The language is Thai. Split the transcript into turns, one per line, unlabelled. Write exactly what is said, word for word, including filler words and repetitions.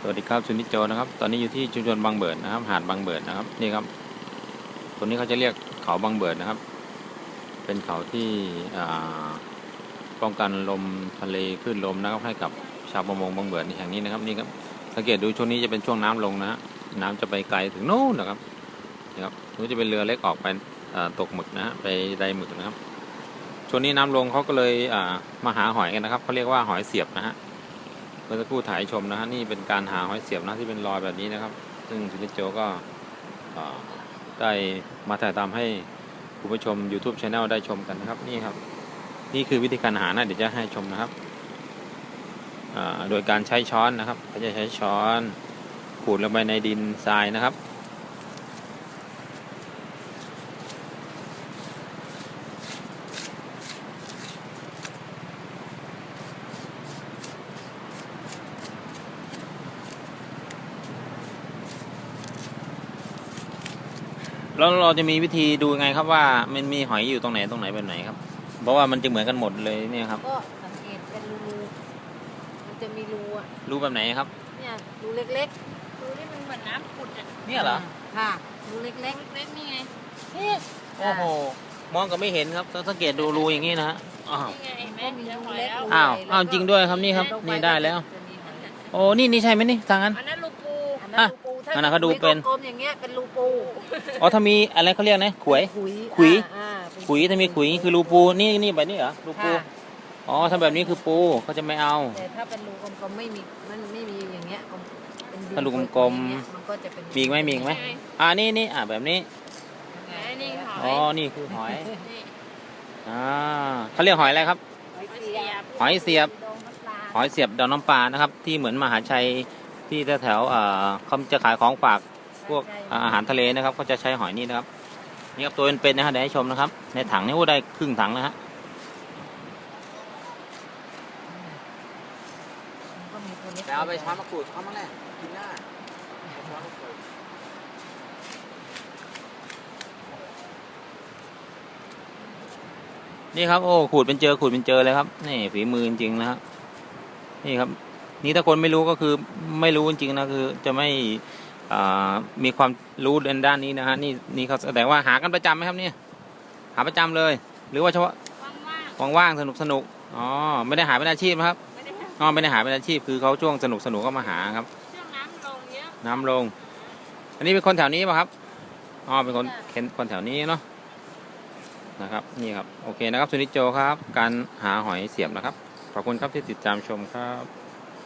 วัสดีครับสุนิจโจนะครับตอนนี้อยู่ที่ชุมชนบางเบิดนะครับหาดบางเบิดนะครับนี่ครับตรงนี้เขาจะเรียกเขาบางเบิดนะครับเป็นเขาที่ป้องกันลมทะเลคลื่นลมนะครับให้กับชาวประมงบางเบิดแห่งนี้นะครับนี่ครับสังเกตดูช่วงนี้จะเป็นช่วงน้ำลงนะฮะน้ำจะไปไกลถึงโน่นนะครับนี่ครับนู้นจะเป็นเรือเล็กออกไปตกหมึกนะฮะไปไดหมึกนะครับช่วงนี้น้ำลงเขาก็เลยมาหาหอยกันนะครับเขาเรียกว่าหอยเสียบนะฮะเมื่อสักครู่ถ่ายชมนะฮะนี่เป็นการหาหอยเสียบนะที่เป็นรอยแบบนี้นะครับซึ่งสุนิจโจก็ได้มาถ่ายทำให้คุณผู้ชม YouTube Channel ได้ชมกันนะครับนี่ครับนี่คือวิธีการหานะเดี๋ยวจะให้ชมนะครับโดยการใช้ช้อนนะครับเขาจะใช้ช้อนขูดลงไปในดินทรายนะครับแล้วเราจะมีวิธีดูยังไงครับว่ามันมีหอยอยู่ตรงไหนตรงไหนแบบไหนครับเพราะว่ามันจะเหมือนกันหมดเลยเนี่ยครับ
ก็สังเกตเป็นรูมันจะมีรูอ่ะ
รูแบบไหนครับ
เนี่ยรูเล็กๆรูที่มันเหมือนน้ำขุดอ่ะ
เนี่ยเหรอ
ค่ะรูเล็กเล็กเล็กนี่ไง
นี่โอ้โหมองก็ไม่เห็นครับต้องสังเกตดูรูอย่างนี้นะฮะอ้าวอ้าวอ้าวจริงด้วยครับนี่ครับนี่ได้แล้วโอ้นี่นี่ใช่ไหมนี่ทางนั้น
อันนั้นรูปู
อ่ะอันนั้นเขาดูเป็น
กลมอย่างเงี้ยเป็นรูปู
อ๋อถ้ามีอะไรเขาเรียกนะขวยขุยขุยถ้ามีขุยคือรูปูนี่นี่แบบนี้เหรอรูปูอ๋อถ้าแบบนี้คือปูเขาจะไม่เอา
แต่ถ้าเป็นรูกลมๆไม่มีมันไม่มีอย่างเงี้ย
ถ้ารูกลมๆมีไหมมีไหมอ่านี่นี่อ่าแบบนี้อ๋อนี่คือหอยอ่าเขาเรียกหอยอะไรครับหอยเสียบหอยเสียบดองน้ำปลานะครับที่เหมือนมหาชัยที่แถวๆเขาจะขายของฝากพวกอาหารทะเลนะครับเขาจะใช้หอยนี่นะครับนี่ครับตัวเป็นๆนะฮะเดี๋ยวให้ชมนะครับในถังนี่ว่าได้ครึ่งถังนะฮะแต่เอาไปช้อนมะกรูดเขามาแน่กินหน้านี่ครับโอ้ขูดเป็นเจอขูดเป็นเจอเลยครับนี่ฝีมือจริงๆนะฮะนี่ครับนี่ถ้าคนไม่รู้ก็คือไม่รู้จริงๆนะคือจะไม่มีความรู้ในด้านนี้นะฮะนี่นี่เขาแสดงว่าหากันประจำไหมครับเนี่ยหาประจำเลยหรือว่าเฉพาะว่างๆสนุกสนุกอ๋อไม่ได้หาเป็นอาชีพครับอ๋อไม่ได้หาเป็นอาชีพคือเขาช่วงสนุกสนุกก็มาหาครับ
ช่วงน้ำลงเยอะ
น้ำลงอันนี้เป็นคนแถวนี้ป่ะครับอ๋อเป็นคนคนแถวนี้เนาะนะครับนี่ครับโอเคนะครับสุนิจโจครับการหาหอยเสียบนะครับขอบคุณครับที่ติดตามชมครับ